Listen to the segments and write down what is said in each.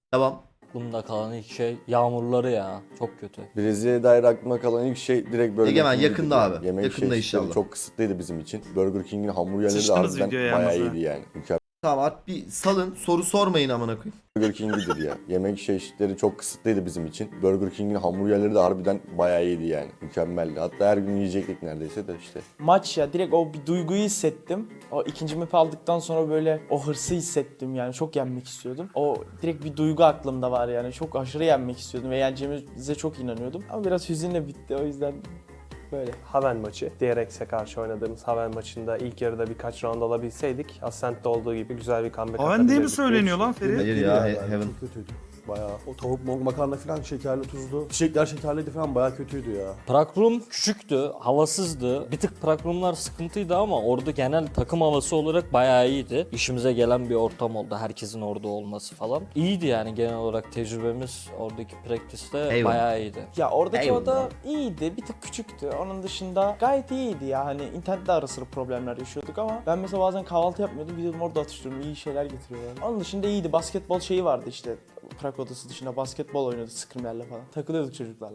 Devam. Aklımda kalan ilk şey yağmurları ya. Çok kötü. Brezilya'ya dair aklıma kalan ilk şey direkt Burger Egemen, King'di yakında yani. abi. Yemek Yakında çeşitleri inşallah. çok kısıtlıydı bizim için. Burger King'in hamburgerleri de Sıçtınız harbiden videoya bayağı yalnız ha. iyiydi yani. Mükemmel. Tamam artık bir salın, soru sormayın amına koyayım. Burger King'idir ya. Yemek çeşitleri çok kısıtlıydı bizim için. Burger King'in hamburgerleri de harbiden bayağı iyiydi yani. Mükemmeldi. Hatta her gün yiyecektik neredeyse de işte. Maç ya, direkt o bir duyguyu hissettim. O ikinci map'i aldıktan sonra böyle o hırsı hissettim yani, çok yenmek istiyordum. O direkt bir duygu aklımda var yani, çok aşırı yenmek istiyordum ve yeneceğimize çok inanıyordum. Ama biraz hüzünle bitti, o yüzden böyle. Haven maçı. DRX'e karşı oynadığımız Haven maçında ilk yarıda birkaç round alabilseydik Ascent'te olduğu gibi güzel bir comeback Haven diye mi atabilirdik söyleniyor lan Ferit? Hayır ya, Heaven. Çok kötüydü. Bayağı o tavuk makarna falan şekerli tuzlu. Çiçekler şekerliydi falan, bayağı kötüydü ya. Prague Room küçüktü, havasızdı. Bir tık Prague Room'lar sıkıntıydı ama orada genel takım havası olarak bayağı iyiydi. İşimize gelen bir ortam oldu, herkesin orada olması falan. İyiydi yani genel olarak tecrübemiz oradaki practice'te Eyvallah. bayağı iyiydi. Ya oradaki Eyvallah. oda iyiydi, bir tık küçüktü. Onun dışında gayet iyiydi ya, hani internette ara sıra problemler yaşıyorduk ama ben mesela bazen kahvaltı yapmıyordum, gidiyordum orada atıştırıyorum, iyi şeyler getiriyorlar. Onun dışında iyiydi, basketbol şeyi vardı işte. Prag odası dışında basketbol oynuyorduk scrimlerle falan. Takılıyorduk çocuklarla.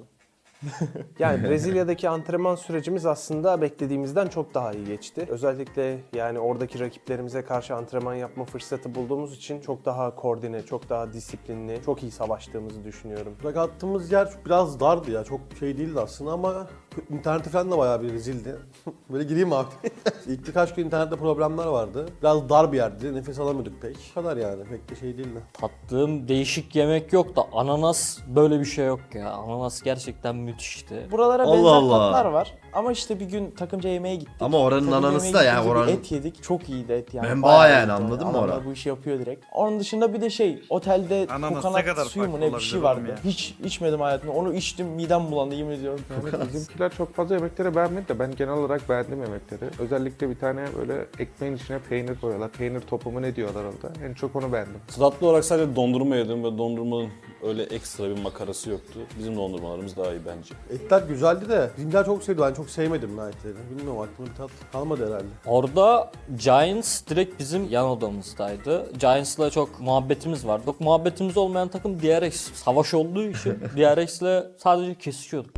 Yani Brezilya'daki antrenman sürecimiz aslında beklediğimizden çok daha iyi geçti. Özellikle yani oradaki rakiplerimize karşı antrenman yapma fırsatı bulduğumuz için çok daha koordine, çok daha disiplinli, çok iyi savaştığımızı düşünüyorum. Bırak attığımız yer biraz dardı ya, çok şey değildi aslında ama interneti falan da bayağı bir rezildi. Böyle gireyim abi. İlk birkaç gün internette problemler vardı. Biraz dar bir yerdi, nefes alamıyorduk pek. Bu kadar yani, pek de şey değildi. Tattığım değişik yemek yok da ananas, böyle bir şey yok ya. Ananas gerçekten müthişti. Buralara Allah benzer Allah. tatlar var ama işte bir gün takımca yemeğe gittik. Ama oranın Takımca ananası yemeğe da yani gittiğimizde bir oranın- et yedik, çok iyiydi et yani. Menba Bayağı yani, iyiydi anladın mı Adamlar oran? bu işi yapıyor direkt. Onun dışında bir de şey, otelde Ananas ne kokonat kadar suyu mu farklı ne bir şey olabilir oğlum vardı. ya? Hiç içmedim hayatımda. Onu içtim, midem bulandı, yemin ediyorum. Bizimkiler çok fazla yemekleri beğenmedi de ben genel olarak beğendim yemekleri. Özellikle bir tane böyle ekmeğin içine peynir koyuyorlar. Peynir topu mu ne diyorlar orada. En çok onu beğendim. Tatlı olarak sadece dondurma yedim ve dondurmanın öyle ekstra bir makarası yoktu. Bizim dondurmalarımız daha iyi bence. Etler güzeldi de bizimkiler çok sevdi, ben çok sevmedim lan etleri. Bilmiyorum, aklımda bir tat kalmadı herhalde. Orada Giants direkt bizim yan odamızdaydı. Giants'la çok muhabbetimiz vardı. Çok muhabbetimiz olmayan takım DRX. Savaş olduğu için DRX'le sadece kesişiyorduk.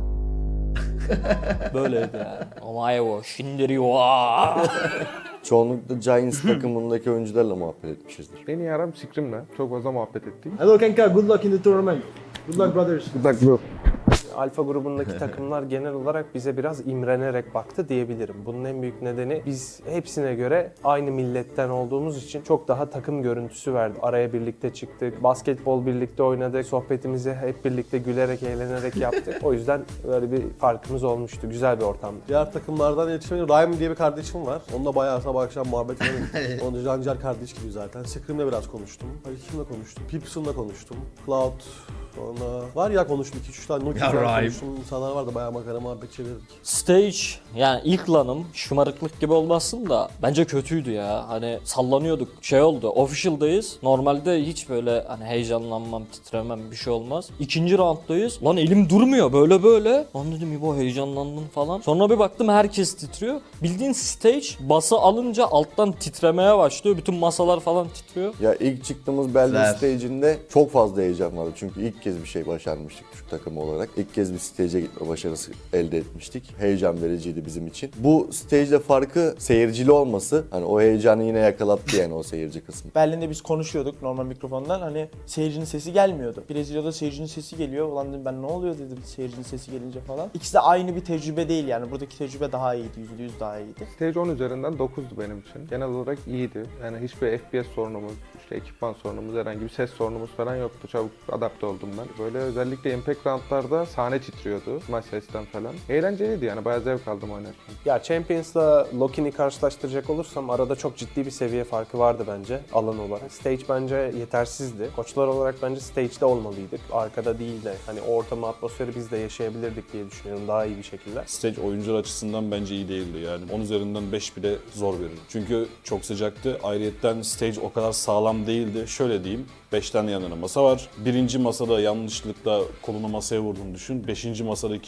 Böyleydi yani. Omaevo, Shinderiwa. Çoğunlukla Giants takımındaki oyuncularla muhabbet etmişizdir. En iyi aram Scrim'le. Çok fazla muhabbet ettik. Hello Kenka, good luck in the tournament. Good luck brothers. Good luck bro. Alfa grubundaki takımlar genel olarak bize biraz imrenerek baktı diyebilirim. Bunun en büyük nedeni biz hepsine göre aynı milletten olduğumuz için çok daha takım görüntüsü verdi. Araya birlikte çıktık, basketbol birlikte oynadık, sohbetimizi hep birlikte gülerek, eğlenerek yaptık. O yüzden böyle bir farkımız olmuştu. Güzel bir ortamdı. Diğer takımlardan yetişmeyen Ryan diye bir kardeşim var. Onunla bayağı sabah akşam muhabbet ediyorum. Onun Jancar kardeş gibi zaten. Scrim'le biraz konuştum. Kimle konuştum? Pipson'la konuştum. Cloud. Sonra var ya, konuştum 2-3 tane Nokia Ya Ryan. konuştum. İnsanlar var da bayağı makara muhabbet çevirdik. Stage, yani ilk lanım, şımarıklık gibi olmasın da bence kötüydü ya. Hani sallanıyorduk, şey oldu, official'dayız. Normalde hiç böyle hani heyecanlanmam, titremem, bir şey olmaz. İkinci rounddayız. Lan elim durmuyor böyle böyle. Lan dedim İbo, heyecanlandım falan. Sonra bir baktım herkes titriyor. Bildiğin stage bası alınca alttan titremeye başlıyor. Bütün masalar falan titriyor. Ya ilk çıktığımız Belli Güzel. stage'inde çok fazla heyecan vardı. Çünkü ilk kez bir şey başarmıştık Türk takımı olarak. İlk kez bir stage'e gitme başarısı elde etmiştik. Heyecan vericiydi bizim için. Bu stage'de farkı seyircili olması. Hani o heyecanı yine yakalattı yani o seyirci kısmı. Berlin'de biz konuşuyorduk normal mikrofondan, hani seyircinin sesi gelmiyordu. Brezilya'da seyircinin sesi geliyor. Ulan dedim ben, ne oluyor dedim seyircinin sesi gelince falan. İkisi de aynı bir tecrübe değil yani. Buradaki tecrübe daha iyiydi, %100 daha iyiydi. Stage 10 üzerinden 9'du benim için. Genel olarak iyiydi. Yani hiçbir FPS sorunumuz, işte ekipman sorunumuz, herhangi bir ses sorunumuz falan yoktu. Çabuk adapte oldum ben. Böyle özellikle Impact roundlarda sahne titriyordu. Maç sesten falan. Eğlenceliydi yani. Bayağı zevk aldım oynarken. Ya Champions'la Loki'ni karşılaştıracak olursam arada çok ciddi bir seviye farkı vardı bence alan olarak. Stage bence yetersizdi. Koçlar olarak bence stage'de olmalıydık. Arkada değil de hani o ortamı, atmosferi biz de yaşayabilirdik diye düşünüyorum daha iyi bir şekilde. Stage oyuncular açısından bence iyi değildi yani. 10 üzerinden 5 bile zor verir. Çünkü çok sıcaktı. Ayrıyetten stage o kadar sağlam değildi. Şöyle diyeyim. 5 tane yan yana masa var. Birinci masada yanlışlıkla kolunu masaya vurduğunu düşün. 5. masadaki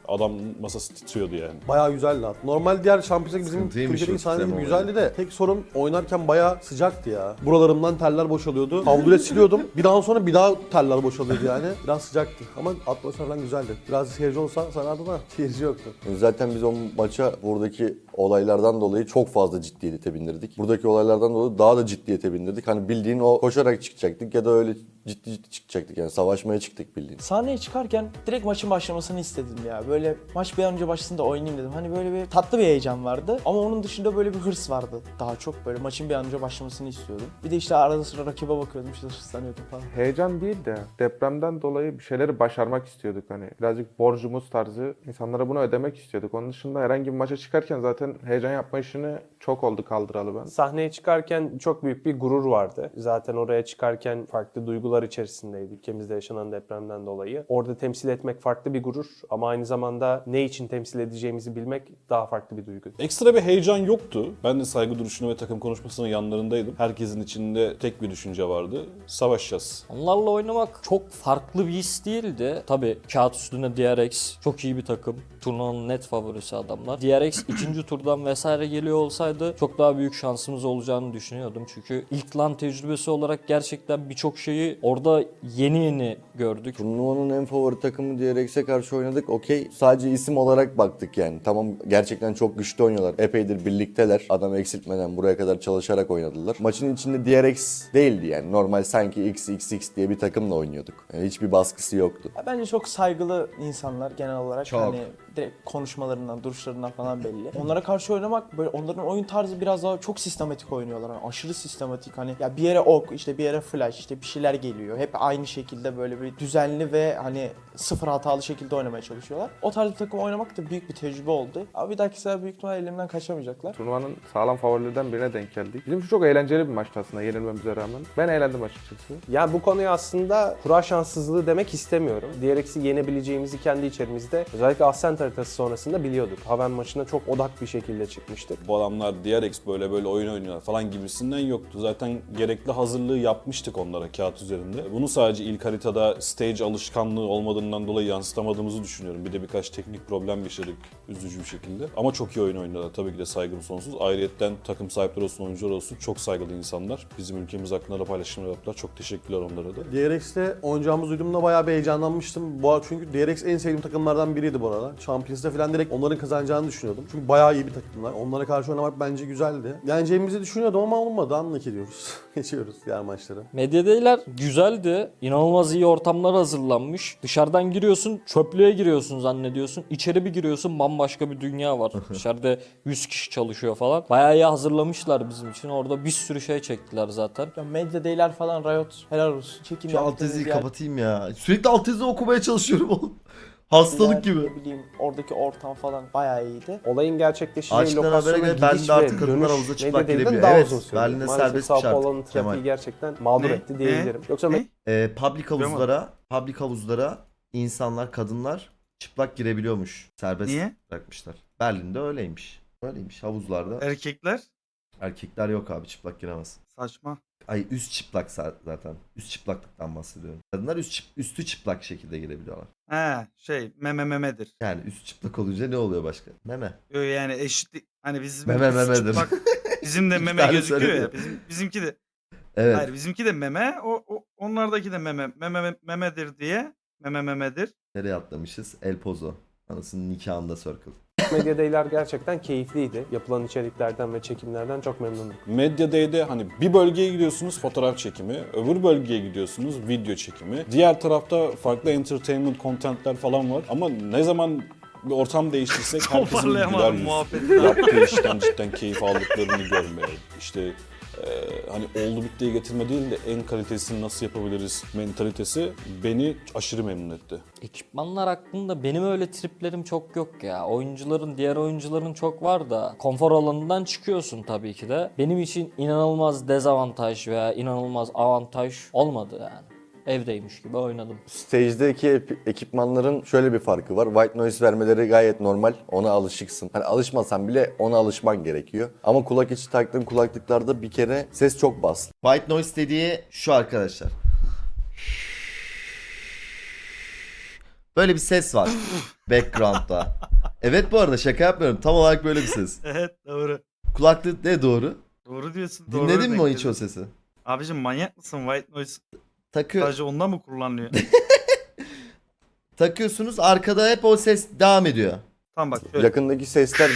Adam masası titriyordu yani. Bayağı güzeldi hatta. Normal diğer Champions'daki bizim Sıkıntıymış Türkiye'deki o sahne gibi sistem güzeldi de tek sorun oynarken bayağı sıcaktı ya. Buralarımdan teller boşalıyordu. Havluyla siliyordum. Bir daha sonra bir daha teller boşalıyordu yani. Biraz sıcaktı ama atmosfer falan güzeldi. Biraz seyirci olsa sarardı da seyirci yoktu. Zaten biz o maça buradaki olaylardan dolayı çok fazla ciddiyete bindirdik. Buradaki olaylardan dolayı daha da ciddiyete bindirdik. Hani bildiğin o koşarak çıkacaktık ya da öyle ciddi çıkacaktık yani savaşmaya çıktık bildiğin. Sahneye çıkarken direkt maçın başlamasını istedim ya. Böyle maç bir an önce başlasın da oynayayım dedim. Hani böyle bir tatlı bir heyecan vardı. Ama onun dışında böyle bir hırs vardı. Daha çok böyle maçın bir an önce başlamasını istiyordum. Bir de işte arada sıra rakibe bakıyordum, işte hırslanıyordum falan. Heyecan değil de depremden dolayı bir şeyleri başarmak istiyorduk hani. Birazcık borcumuz tarzı insanlara bunu ödemek istiyorduk. Onun dışında herhangi bir maça çıkarken zaten heyecan yapma işini çok oldu kaldıralı ben. Sahneye çıkarken çok büyük bir gurur vardı. Zaten oraya çıkarken farklı duygular içerisindeydik ülkemizde yaşanan depremden dolayı. Orada temsil etmek farklı bir gurur ama aynı zamanda ne için temsil edeceğimizi bilmek daha farklı bir duygu. Ekstra bir heyecan yoktu. Ben de saygı duruşunu ve takım konuşmasının yanlarındaydım. Herkesin içinde tek bir düşünce vardı. Savaşacağız. Onlarla oynamak çok farklı bir his değildi. Tabii kağıt üstünde DRX çok iyi bir takım. Turnuvanın net favorisi adamlar. DRX ikinci turdan vesaire geliyor olsaydı çok daha büyük şansımız olacağını düşünüyordum. Çünkü ilk LAN tecrübesi olarak gerçekten birçok şeyi orada yeni gördük. Turnuvanın en favori takımı DRX'e karşı oynadık. Okey. Sadece isim olarak baktık yani. Tamam gerçekten çok güçlü oynuyorlar. Epeydir birlikteler. Adam eksiltmeden buraya kadar çalışarak oynadılar. Maçın içinde DRX değildi yani. Normal sanki XXX diye bir takımla oynuyorduk. Yani hiçbir baskısı yoktu. Ya bence çok saygılı insanlar genel olarak. Çok. Hani direkt konuşmalarından, duruşlarından falan belli. Onlara karşı oynamak böyle, onların oyun tarzı biraz daha çok sistematik oynuyorlar. Yani aşırı sistematik, hani ya bir yere ok, işte bir yere flash, işte bir şeyler geliyor. Hep aynı şekilde böyle bir düzenli ve hani sıfır hatalı şekilde oynamaya çalışıyorlar. O tarz bir takım oynamak da büyük bir tecrübe oldu. Ama bir dahaki sefer büyük ihtimalle elimden kaçamayacaklar. Turnuvanın sağlam favorilerden birine denk geldik. Bizim için çok eğlenceli bir maçtı aslında yenilmemize rağmen. Ben eğlendim açıkçası. Ya bu konuya aslında kura şanssızlığı demek istemiyorum. DRX'i yenebileceğimizi kendi içerimizde özellikle Ascent haritası sonrasında biliyorduk. Haven maçına çok odak bir şekilde çıkmıştık. Bu adamlar DRX böyle oyun oynuyorlar falan gibisinden yoktu. Zaten gerekli hazırlığı yapmıştık onlara kağıt üzerinde. Bunu sadece ilk haritada stage alışkanlığı olmadığından dolayı yansıtamadığımızı düşünüyorum. Bir de birkaç teknik problem yaşadık üzücü bir şekilde. Ama çok iyi oyun oynuyorlar. Tabii ki de saygım sonsuz. Ayrıyetten takım sahipleri olsun, oyuncular olsun çok saygılı insanlar. Bizim ülkemiz hakkında da paylaşımlar yaptılar. Çok teşekkürler onlara da. DRX'te oynayacağımız duyduğumda bayağı bir heyecanlanmıştım. Çünkü DRX en sevdiğim takımlardan biriydi bu arada. Champions'ta falan direkt onların kazanacağını düşünüyordum. Çünkü bayağı iyi bir takımlar. Onlara karşı oynamak bence güzeldi. Yeneceğimizi düşünüyordum ama olmadı. Anlık ediyoruz. Geçiyoruz diğer maçlara. Medyadeyler güzeldi. İnanılmaz iyi ortamlar hazırlanmış. Dışarıdan giriyorsun, çöplüğe giriyorsun zannediyorsun. İçeri bir giriyorsun, bambaşka bir dünya var. Dışarıda 100 kişi çalışıyor falan. Bayağı iyi hazırlamışlar bizim için. Orada bir sürü şey çektiler zaten. Ya medya değiller falan, Riot helal olsun. Çekin Şu alt yaptığınız yazıyı yer- kapatayım ya. Sürekli alt yazı okumaya çalışıyorum oğlum. Hastalık yer, gibi. Ne bileyim, oradaki ortam falan bayağı iyiydi. Olayın gerçekleşeceği Açıklanan habere lokasyona göre gidiş Berlin'de ve artık kadınlar dönüş havuza çıplak Medyadey'den girebiliyor. daha Evet, uzun sürdü. Berlin'de Maalesef serbestmiş Sao Paulo'nun artık, trafiği Kemal. gerçekten mağdur Ne? etti diyebilirim. Yoksa Ne? Public havuzlara insanlar, kadınlar çıplak girebiliyormuş. Serbest Niye? bırakmışlar. Berlin'de öyleymiş. Öyleymiş havuzlarda. Erkekler Erkekler yok abi, çıplak giremez. saçma. Ay üst çıplak zaten. Üst çıplaklıktan bahsediyorum. Kadınlar üstü çıplak şekilde girebiliyorlar. He memedir. Yani üst çıplak olunca ne oluyor başka? Meme. Yani eşitlik, hani bizim Memedir. bizim de İki meme tane gözüküyor ya. söyledi. Bizimki de. Evet. Hayır, bizimki de meme. Onlardaki de memedir diye. Memedir. Nereye atlamışız? El Pozo. Anasının nikahında Circle. Medyadeyler gerçekten keyifliydi. Yapılan içeriklerden ve çekimlerden çok memnunduk. Medya Day'de hani bir bölgeye gidiyorsunuz fotoğraf çekimi, öbür bölgeye gidiyorsunuz video çekimi. Diğer tarafta farklı entertainment contentler falan var ama ne zaman bir ortam değiştirsek herkesin güler Toparlayamadım yüz. muhabbeti. Yaptığı işten cidden keyif aldıklarını görmeye, işte hani oldu bittiye getirme değil de en kalitesini nasıl yapabiliriz mentalitesi beni aşırı memnun etti. Ekipmanlar hakkında benim öyle triplerim çok yok ya. Diğer oyuncuların çok var da konfor alanından çıkıyorsun tabii ki de. Benim için inanılmaz dezavantaj veya inanılmaz avantaj olmadı yani. Evdeymiş gibi oynadım. Stage'deki ekipmanların şöyle bir farkı var. White noise vermeleri gayet normal. Ona alışıksın. Hani alışmasan bile ona alışman gerekiyor. Ama kulak içi taktığın kulaklıklarda bir kere ses çok bas. White noise dediği şu arkadaşlar. Böyle bir ses var background'da. Evet bu arada şaka yapmıyorum. Tam olarak böyle bir ses. Evet doğru. Kulaklık ne doğru? Doğru diyorsun. Doğru Dinledin mi o örnek hiç o dedin. sesi? Abicim manyak mısın? White noise Takıyor. sadece ondan mı kullanılıyor? Takıyorsunuz arkada hep o ses devam ediyor. Tamam bak şöyle. Yakındaki sesler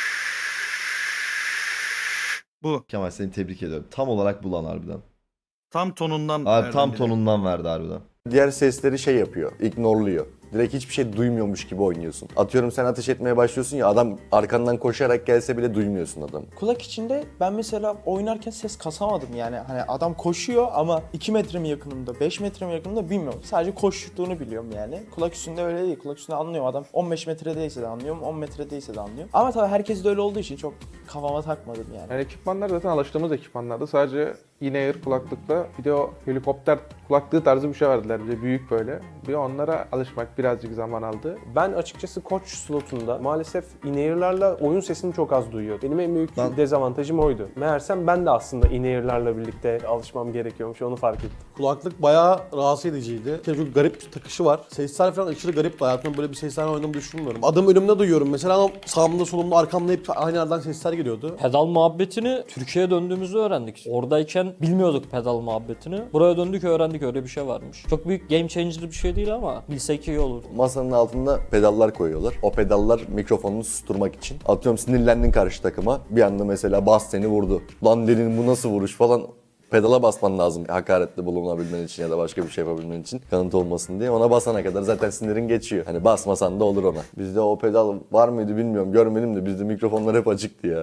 Bu. Kemal seni tebrik ediyorum. Tam olarak bulan harbiden. Tam tonundan. Abi verdim tam bir de. tonundan verdi harbiden. diğer sesleri şey yapıyor, ignorluyor. Direkt hiçbir şey duymuyormuş gibi oynuyorsun. Atıyorum sen ateş etmeye başlıyorsun ya, adam arkandan koşarak gelse bile duymuyorsun adamı. Kulak içinde ben mesela oynarken ses kasamadım yani. Hani adam koşuyor ama 2 metre mi yakınımda, 5 metre mi yakınımda bilmiyorum. Sadece koştuğunu biliyorum yani. Kulak üstünde öyle değil. Kulak üstünde anlıyorum. Adam 15 metredeyse de anlıyorum, 10 metredeyse de anlıyorum. Ama tabii herkes de öyle olduğu için çok kafama takmadım yani. Yani ekipmanlar zaten alıştığımız ekipmanlardı. Sadece in-ear kulaklıkla bir de o helikopter kulaklığı tarzı bir şey verdiler bize, büyük böyle. Bir onlara alışmak birazcık zaman aldı. Ben açıkçası koç slotunda maalesef in-ear'larla oyun sesini çok az duyuyor. Benim en büyük Ben- dezavantajım oydu. Meğersem ben de aslında in-ear'larla birlikte alışmam gerekiyormuş, onu fark ettim. Kulaklık bayağı rahatsız ediciydi. Çok garip bir takışı var. Sesler falan aşırı garip. Hayatımda böyle bir sesler oynadığımı düşünmüyorum. Adım önümde duyuyorum. Mesela ama sağımda solumda arkamda hep aynı yerden sesler geliyordu. Pedal muhabbetini Türkiye'ye döndüğümüzde öğrendik. Oradayken bilmiyorduk pedal muhabbetini. Buraya döndük öğrendik, öyle bir şey varmış. Çok büyük game changer bir şey değil ama bilsek iyi olur. Masanın altında pedallar koyuyorlar. O pedallar mikrofonunu susturmak için. Atıyorum sinirlendin karşı takıma. Bir anda mesela bas seni vurdu. Lan dedin bu nasıl vuruş falan. Pedala basman lazım hakaretli bulunabilmen için ya da başka bir şey yapabilmen için, kanıt olmasın diye. Ona basana kadar zaten sinirin geçiyor. Hani basmasan da olur ona. Bizde o pedal var mıydı bilmiyorum, görmedim de bizde mikrofonlar hep açıktı ya.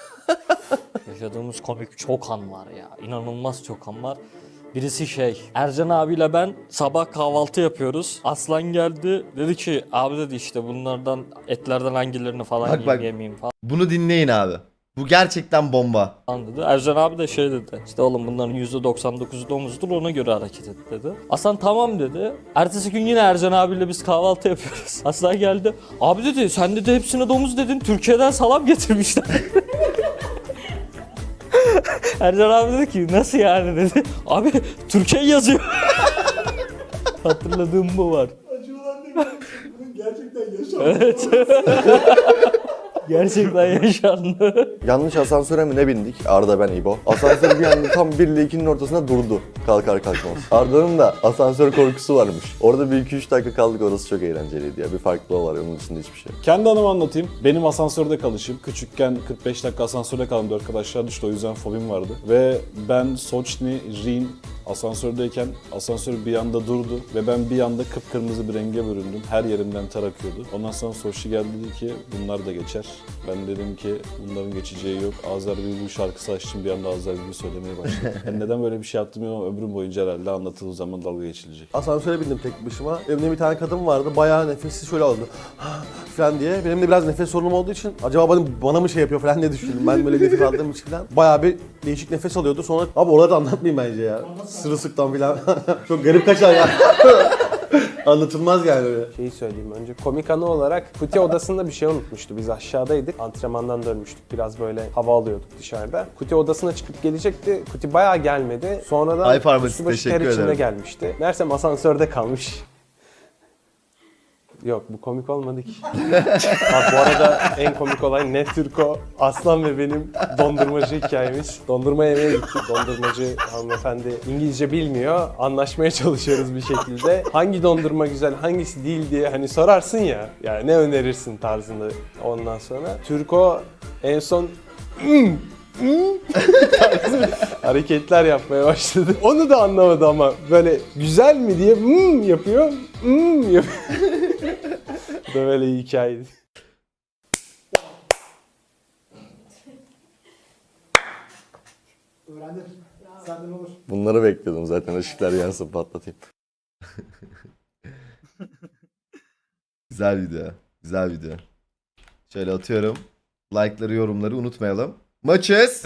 Yaşadığımız komik çok an var ya. İnanılmaz çok an var. Birisi Ercan abiyle ben sabah kahvaltı yapıyoruz. Aslan geldi dedi ki abi dedi işte bunlardan etlerden hangilerini falan Bak, yiyeyim bak. yemeyeyim Bunu dinleyin abi. Bu gerçekten bomba. falan dedi. Ercan abi de dedi. İşte oğlum bunların %99'u domuzdur, ona göre hareket et dedi. Aslan tamam dedi. Ertesi gün yine Ercan abiyle biz kahvaltı yapıyoruz. Aslan geldi. Abi dedi sen dedi hepsine domuz dedin. Türkiye'den salam getirmişler. Ercan abi dedi ki nasıl yani dedi. Abi Türkiye yazıyor. Hatırladığım bu var. Gerçekten yaşandı. Evet. Gerçekten yaşandı. Yanlış asansöre mi ne bindik? Arda, ben, İbo. Asansör bir anda tam 1 ile 2'nin ortasında durdu. Kalkar kalkmaz. Arda'nın da asansör korkusu varmış. Orada bir 2-3 dakika kaldık, orası çok eğlenceliydi ya. Bir farklılığı var, onun dışında hiçbir şey yok. Kendi anımı anlatayım. Benim asansörde kalışım. Küçükken 45 dakika asansörde kaldım. 4 arkadaşlar düştü, o yüzden fobim vardı. Ve ben Soçni, Rin asansördeyken asansör bir anda durdu ve ben bir anda kıpkırmızı bir renge büründüm. Her yerimden ter akıyordu. Ondan sonra Soçni geldi dedi ki bunlar da geçer. Ben dedim ki bunların geçeceği yok. Azer Bülbül şarkısı açtım, bir anda Azer Bülbül söylemeye başladım. Yani neden böyle bir şey yaptım ama ömrüm boyunca herhalde anlatıldığı zaman dalga geçilecek. Asansöre bindim tek başıma. Evimde bir tane kadın vardı. Bayağı nefessiz şöyle aldı. falan diye. Benim de biraz nefes sorunum olduğu için acaba bana mı şey yapıyor falan diye düşündüm. Ben böyle nefes aldığım için falan. Bayağı bir değişik nefes alıyordu. Sonra abi oraları da anlatmayayım bence ya. Sırılsıklam falan. Çok garip kaçar ya. Anlatılmaz yani öyle. Şeyi söyleyeyim önce, komik anı olarak Kuti odasında bir şey unutmuştu. Biz aşağıdaydık, antrenmandan dönmüştük, biraz böyle hava alıyorduk dışarıda. Kuti odasına çıkıp gelecekti, Kuti bayağı gelmedi. Sonradan Ay Pharmacy, üstü başı ter teşekkür içinde ederim. gelmişti. Meğersem asansörde kalmış. Yok, bu komik olmadı ki. Bak bu arada en komik olay ne Türko, Aslan ve benim dondurmacı hikayemiz. Dondurma yemeye gittik. Dondurmacı hanımefendi İngilizce bilmiyor. Anlaşmaya çalışıyoruz bir şekilde. Hangi dondurma güzel, hangisi değil diye hani sorarsın ya. Yani ne önerirsin tarzında ondan sonra. Türko en son tarzı hareketler yapmaya başladı. Onu da anlamadı ama böyle güzel mi diye yapıyor. Yapıyor. Bu da böyle iyi hikayeydi. Bunları bekliyordum zaten, ışıklar yansın patlatayım. Güzel video. Güzel video. Şöyle atıyorum. Like'ları, yorumları unutmayalım. Maçız.